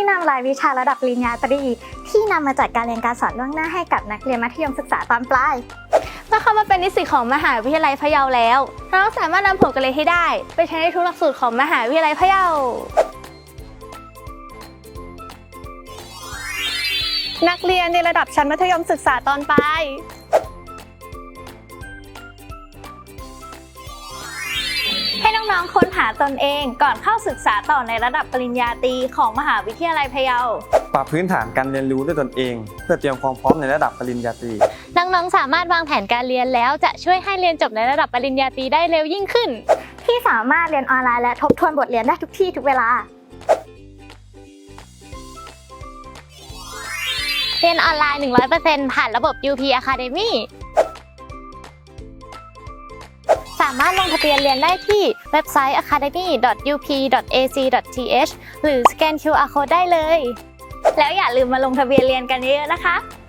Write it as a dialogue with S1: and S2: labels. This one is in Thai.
S1: นำรายวิชาระดับปริญญาตรีที่นำมาจัดการเรียนการสอนล่วงหน้าให้กับนักเรียนมัธยมศึกษาตอนปลาย
S2: เมื่อเข้ามาเป็นนิสิตของมหาวิทยาลัยพะเยาแล้วน้องสามารถนำผลการเรียนที่ได้ไปใช้ในทุกหลักสูตรของมหาวิทยาลัยพะเยา
S3: นักเรียนในระดับชั้นมัธยมศึกษาตอนปลาย
S2: ให้น้องๆค้นหาตนเองก่อนเข้าศึกษาต่อในระดับปริญญาตรีของมหาวิทยาลัยพะเยา
S4: ปรับพื้นฐานการเรียนรู้ด้วยตนเองเพื่อเตรียมความพร้อมในระดับปริญญาตรี
S2: น้องๆสามารถวางแผนการเรียนแล้วจะช่วยให้เรียนจบในระดับปริญญาตรีได้เร็วยิ่งขึ้น
S1: ที่สามารถเรียนออนไลน์และทบทวนบทเรียนได้ทุกที่ทุกเวลา
S2: เรียนออนไลน์ 100% ผ่านระบบ UP Academy สามารถลงทะเบียนเรียนได้ที่เว็บไซต์ academy.up.ac.th หรือสแกน QR Code ได้เลยแล้วอย่าลืมมาลงทะเบียนเรียนกันเยอะๆนะคะ